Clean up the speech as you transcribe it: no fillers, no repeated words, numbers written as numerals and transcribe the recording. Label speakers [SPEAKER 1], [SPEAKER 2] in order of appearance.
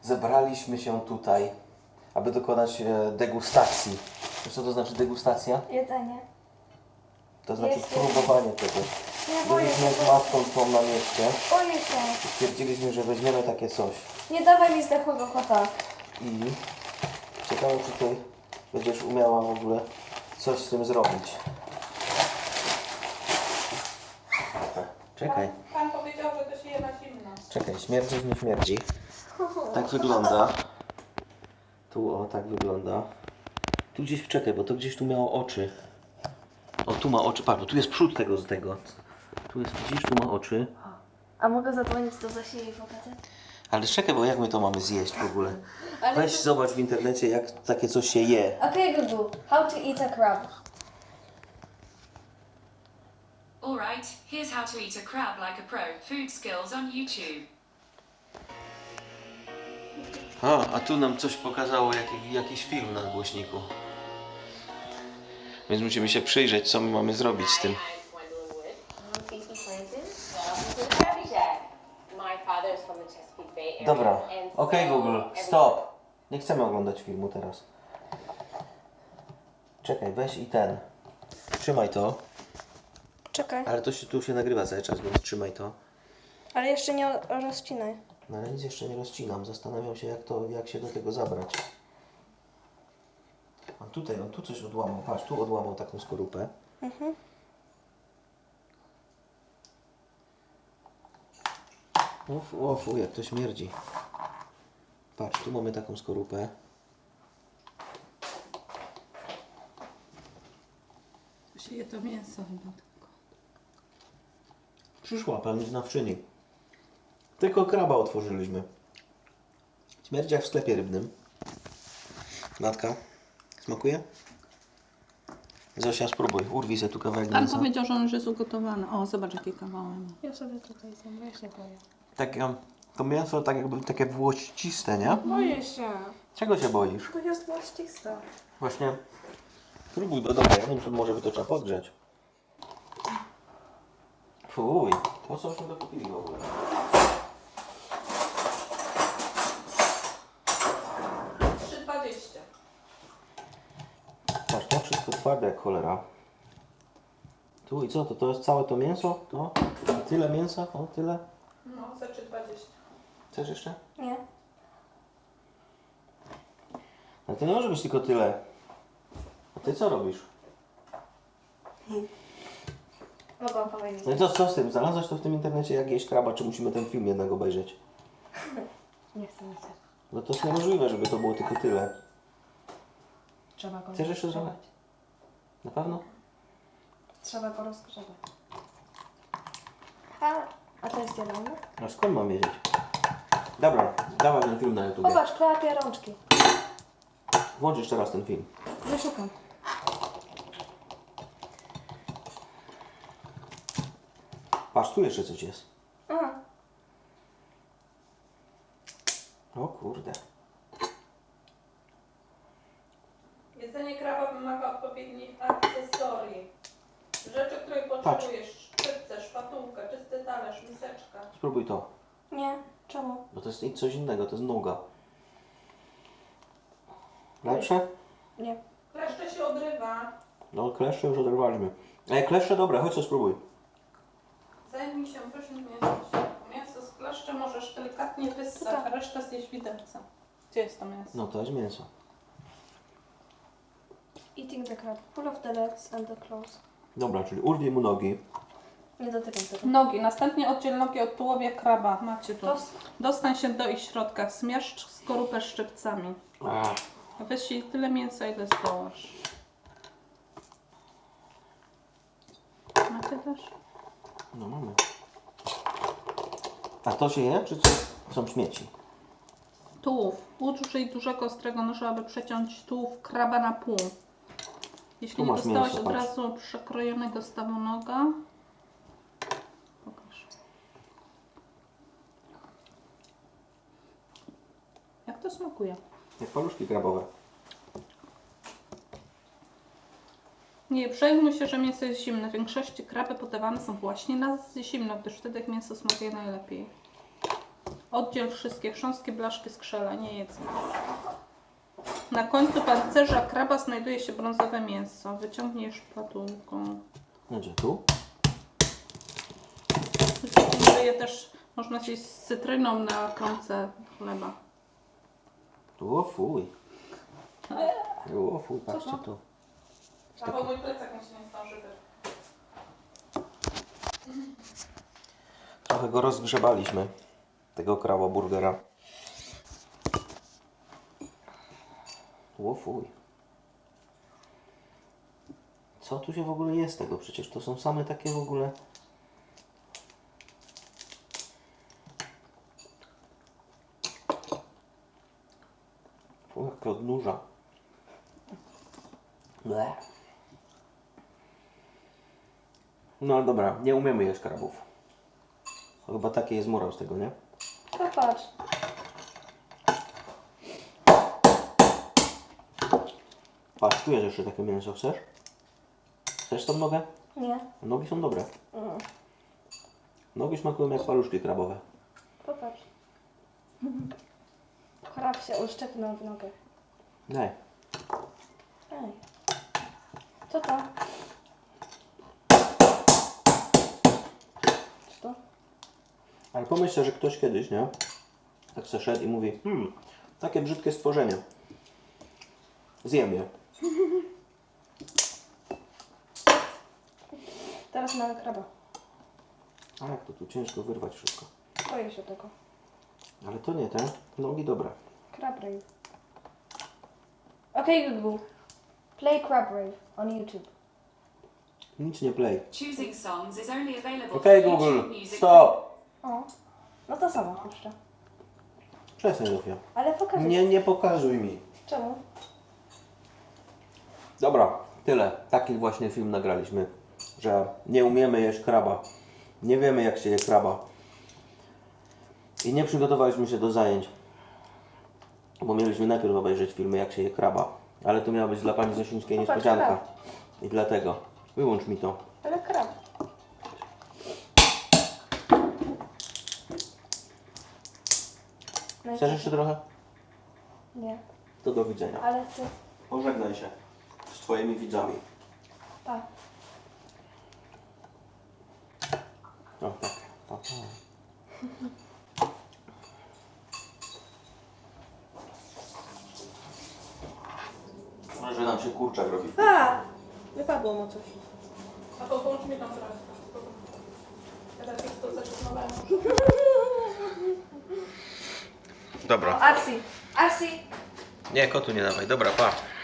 [SPEAKER 1] zebraliśmy się tutaj, aby dokonać degustacji. Wiesz co to znaczy degustacja?
[SPEAKER 2] Jedzenie.
[SPEAKER 1] To znaczy
[SPEAKER 2] Jest.
[SPEAKER 1] próbowanie tego.
[SPEAKER 2] Nie boję się.
[SPEAKER 1] Byliśmy z matką tą na mieście
[SPEAKER 2] Boję się.
[SPEAKER 1] i stwierdziliśmy, że weźmiemy takie coś.
[SPEAKER 2] Nie dawaj mi zdechłego kota.
[SPEAKER 1] I ciekawe, czy ty będziesz umiała w ogóle coś z tym zrobić. Czekaj,
[SPEAKER 3] Pan powiedział, że to się je na zimno.
[SPEAKER 1] czekaj, śmierdzi, nie śmierdzi. Tak wygląda. Tu o, tak wygląda. Tu gdzieś, czekaj, bo to gdzieś tu miało oczy. O, tu ma oczy, patrz, bo tu jest przód tego z tego. Tu jest, widzisz, tu ma oczy.
[SPEAKER 2] A mogę zadzwonić do Zasi i pokazać?
[SPEAKER 1] Ale czekaj, bo jak my to mamy zjeść w ogóle?
[SPEAKER 2] Ale
[SPEAKER 1] Weź zobacz w internecie, jak takie coś się je.
[SPEAKER 2] Okay, Google. How to eat a crab.
[SPEAKER 4] Alright, here's how to eat a crab like a pro. Food skills on YouTube.
[SPEAKER 1] A tu nam coś pokazało, jakiś film na głośniku. Więc musimy się przyjrzeć, co my mamy zrobić z tym. Dobra, okej, Google, stop. Nie chcemy oglądać filmu teraz. Czekaj, weź i ten. Trzymaj to.
[SPEAKER 2] Czekaj,
[SPEAKER 1] Ale to się, tu się nagrywa cały czas, więc trzymaj to.
[SPEAKER 2] ale jeszcze nie rozcinaj.
[SPEAKER 1] No ale nic jeszcze nie rozcinam. Zastanawiam się, jak się do tego zabrać. On tu coś odłamał. Patrz, tu odłamał taką skorupę. Uf, jak to śmierdzi. Patrz, tu mamy taką skorupę.
[SPEAKER 3] To się je to mięso chyba tylko.
[SPEAKER 1] Przyszła pani znawczyni. Tylko kraba otworzyliśmy. Śmierdzi jak w sklepie rybnym. Matka, smakuje? Zosia, spróbuj. Urwij sobie tu kawałek
[SPEAKER 3] Pan
[SPEAKER 1] mięsa.
[SPEAKER 3] powiedział, że on już jest ugotowany. O, zobacz jakie kawały ma.
[SPEAKER 2] Ja sobie tutaj zjem, ja się boję.
[SPEAKER 1] Takie, to mięso tak jakby takie włościste, nie?
[SPEAKER 2] Boję się.
[SPEAKER 1] Czego się boisz?
[SPEAKER 2] To jest łoścista.
[SPEAKER 1] Właśnie. Spróbuj, bo dobra, ja wiem, że może by to trzeba podgrzać. Fuj, po co się to kupili w ogóle? Patrz, to wszystko twarde jak cholera. Tu i co, to jest całe to mięso? To? I tyle mięsa? O, tyle?
[SPEAKER 3] No, za 3,20.
[SPEAKER 1] Chcesz jeszcze?
[SPEAKER 2] Nie.
[SPEAKER 1] Ale to nie może być tylko tyle. A ty co robisz?
[SPEAKER 2] Mogłam powiedzieć.
[SPEAKER 1] No i co z tym? Znalazłaś to w tym internecie, jak jeść kraba, czy musimy ten film jednak obejrzeć?
[SPEAKER 2] Nie chcę mi się.
[SPEAKER 1] No to jest niemożliwe, żeby to było tylko tyle.
[SPEAKER 2] Trzeba go
[SPEAKER 1] Chcesz jeszcze zrobić? Na pewno?
[SPEAKER 2] Trzeba go rozgrzebać. A to jest zielony?
[SPEAKER 1] A skąd mam wiedzieć? Dobra, dawaj ten film na YouTube.
[SPEAKER 2] Popatrz, klepie rączki.
[SPEAKER 1] Włącz jeszcze raz ten film.
[SPEAKER 2] Wyszukam.
[SPEAKER 1] Patrz, tu jeszcze coś jest.
[SPEAKER 2] Aha.
[SPEAKER 1] O kurde.
[SPEAKER 3] Jedzenie kraba wymaga odpowiednich akcesorii. Rzeczy, których potrzebujesz. Szczypce, szpatułkę, czysty talerz, miseczka.
[SPEAKER 1] Spróbuj to.
[SPEAKER 2] Nie. Czemu?
[SPEAKER 1] Bo to jest coś innego, to jest nuga. Lepsze?
[SPEAKER 2] Nie.
[SPEAKER 3] Kleszcze się odrywa.
[SPEAKER 1] No kleszcze już oderwaliśmy. Ej, kleszcze dobre, chodź co spróbuj.
[SPEAKER 3] Zajmij się pysznym mięsem. Mięso z kleszcze możesz delikatnie wyssać, a resztę zjeść widelcem. Gdzie jest to mięso?
[SPEAKER 1] No to jest mięso.
[SPEAKER 2] Eating the crab. Pull off the legs and the claws.
[SPEAKER 1] Dobra, czyli urwij mu nogi.
[SPEAKER 2] Nie dotykam tego.
[SPEAKER 3] Nogi. Następnie oddziel nogi od tułowia kraba. Macie tu.
[SPEAKER 2] To
[SPEAKER 3] Dostań się do ich środka. Zmierzch skorupę szczypcami.
[SPEAKER 1] Ach,
[SPEAKER 3] Wyślij tyle mięsa, ile zdołasz. Macie też?
[SPEAKER 1] no mamy. A to się je, czy co? Są śmieci?
[SPEAKER 3] Tułów. Użyj dużego, ostrego noża, aby przeciąć tułów kraba na pół. Jeśli
[SPEAKER 1] Tu
[SPEAKER 3] nie
[SPEAKER 1] masz
[SPEAKER 3] dostałeś
[SPEAKER 1] mięso,
[SPEAKER 3] od
[SPEAKER 1] patrz.
[SPEAKER 3] razu przekrojonego stawu noga, pokaż. Jak to smakuje?
[SPEAKER 1] Jak paluszki krabowe.
[SPEAKER 3] Nie przejmuj się, że mięso jest zimne. W większości kraby podawane są właśnie na zimno, gdyż wtedy mięso smakuje najlepiej. Oddziel wszystkie chrząstkie, blaszki, skrzela, nie jedz. Na końcu pancerza kraba znajduje się brązowe mięso. Wyciągniesz szpatułką.
[SPEAKER 1] Gdzie tu?
[SPEAKER 3] Je też można zjeść z cytryną na kromce chleba.
[SPEAKER 1] O fuj. O fuj, patrzcie tu.
[SPEAKER 3] Albo mój plecak mi się nie zdąży
[SPEAKER 1] Trochę go rozgrzebaliśmy, tego kraboburgera. O fuj. Co tu się w ogóle jest tego? Przecież to są same takie w ogóle... Fuj, jak odnurza. Ble. No dobra, nie umiemy jeść krabów. Chyba taki jest morał z tego, nie?
[SPEAKER 2] Popatrz.
[SPEAKER 1] Patrz, tu jest jeszcze takie mięso, chcesz? Chcesz tą nogę?
[SPEAKER 2] Nie.
[SPEAKER 1] Nogi są dobre.
[SPEAKER 2] Mm.
[SPEAKER 1] Nogi smakują jak paluszki krabowe.
[SPEAKER 2] Popatrz. Krab się uszczepnął w nogę.
[SPEAKER 1] Daj.
[SPEAKER 2] Ej. Co to? Co to?
[SPEAKER 1] Ale pomyśl sobie, że ktoś kiedyś, nie? Tak se szedł i mówi, takie brzydkie stworzenie. Zjem je.
[SPEAKER 2] Teraz mamy kraba.
[SPEAKER 1] A jak to tu ciężko wyrwać wszystko.
[SPEAKER 2] Boję się tego.
[SPEAKER 1] Ale to nie te. Nogi dobre.
[SPEAKER 2] Crab Rave. Okay, Google. Play Crab Rave on YouTube.
[SPEAKER 1] Nic nie play.
[SPEAKER 4] Choosing songs is only available
[SPEAKER 1] Okej,
[SPEAKER 4] for
[SPEAKER 1] Google,
[SPEAKER 4] YouTube Music.
[SPEAKER 1] stop!
[SPEAKER 2] O. No to sama puszczę.
[SPEAKER 1] Przestań, Zofia.
[SPEAKER 2] Ale pokażę.
[SPEAKER 1] Nie pokazuj mi.
[SPEAKER 2] Czemu?
[SPEAKER 1] Dobra, tyle. Taki właśnie film nagraliśmy, że nie umiemy jeść kraba. Nie wiemy, jak się je kraba. I nie przygotowaliśmy się do zajęć, bo mieliśmy najpierw obejrzeć filmy, jak się je kraba. Ale to miała być dla pani Zosińskiej
[SPEAKER 2] Popatrz,
[SPEAKER 1] niespodzianka.
[SPEAKER 2] krab.
[SPEAKER 1] I dlatego. Wyłącz mi to.
[SPEAKER 2] Ale krab. No i
[SPEAKER 1] Chcesz
[SPEAKER 2] co?
[SPEAKER 1] jeszcze trochę?
[SPEAKER 2] Nie.
[SPEAKER 1] To do widzenia.
[SPEAKER 2] Ale chcę.
[SPEAKER 1] Pożegnaj się z twoimi widzami.
[SPEAKER 2] Pa.
[SPEAKER 1] O tak. Pa, pa. Może nam się kurczak robi.
[SPEAKER 2] A! Wypadło mu coś.
[SPEAKER 3] A to połącz mi tam teraz. Ja tak jak to zaczynowałem.
[SPEAKER 1] Dobra.
[SPEAKER 2] Arsi. Arsi.
[SPEAKER 1] Nie, kotu nie dawaj. Dobra, pa.